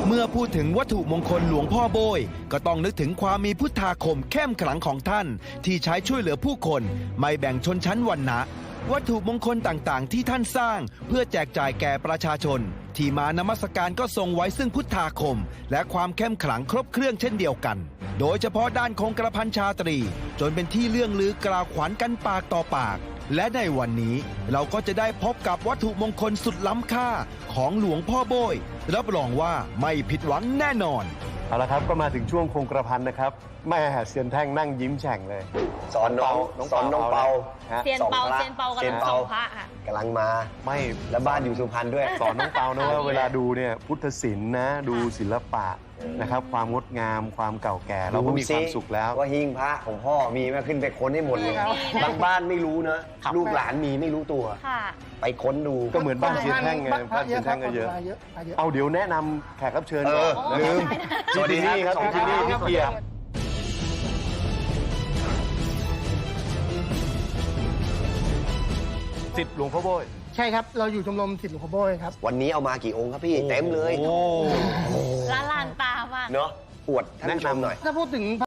เมื่อพูดถึงวัตถุมงคลหลวงพ่อโบยก็ต้องนึกถึงความมีพุทธาคมเข้มขลังของท่านที่ใช้ช่วยเหลือผู้คนไม่แบ่งชนชั้นวรรณะวัตถุมงคลต่างๆที่ท่านสร้างเพื่อแจกจ่ายแก่ประชาชนที่มานมัสการก็ทรงไว้ซึ่งพุทธาคมและความเข้มขลังครบเครื่องเช่นเดียวกันโดยเฉพาะด้านคงกระพันชาตรีจนเป็นที่เลื่องลือกล่าวขวัญกันปากต่อปากและในวันนี้เราก็จะได้พบกับวัตถุมงคลสุดล้ำค่าของหลวงพ่อโบยรับรองว่าไม่ผิดหวังแน่นอนเอาละครับก็มาถึงช่วงคงกระพันนะครับแม่เซียนแท่งนั่งยิ้มแฉ่งเลยสอนน้องเปาเซียนเปากำลังส่องพระค่ะกำลังมาไม่แล้วบ้านอยู่สุพรรณด้วยสอนน้องเปานะว่าเวลาดูเนี่ยพุทธศิลป์นะดูศิลปะนะครับความงดงามความเก่าแก่เราก็มีความสุขแล้วว่าหิ้งพระของพ่อมีมาขึ้นไปค้นให้หมดเลยบางบ้านไม่รู้นะลูกหลานมีไม่รู้ตัวไปค้นดูก็เหมือนบ้านเซียนแท่งไงบ้านเซียนแท่งก็เยอะเอาเดี๋ยวแนะนำแขกรับเชิญก่อนลืมสวัสดีครับพี่จินนี่พี่เกียรติศิษย์หลวงพ่อโบยใช่ครับเราอยู่ชมรมศิษย์หลวงพ่อโบยครับวันนี้เอามากี่องค์ครับพี่เต็มเลยละลานตามากเนาะอวดท่านผู้ชมหน่อยถ้าพูดถึง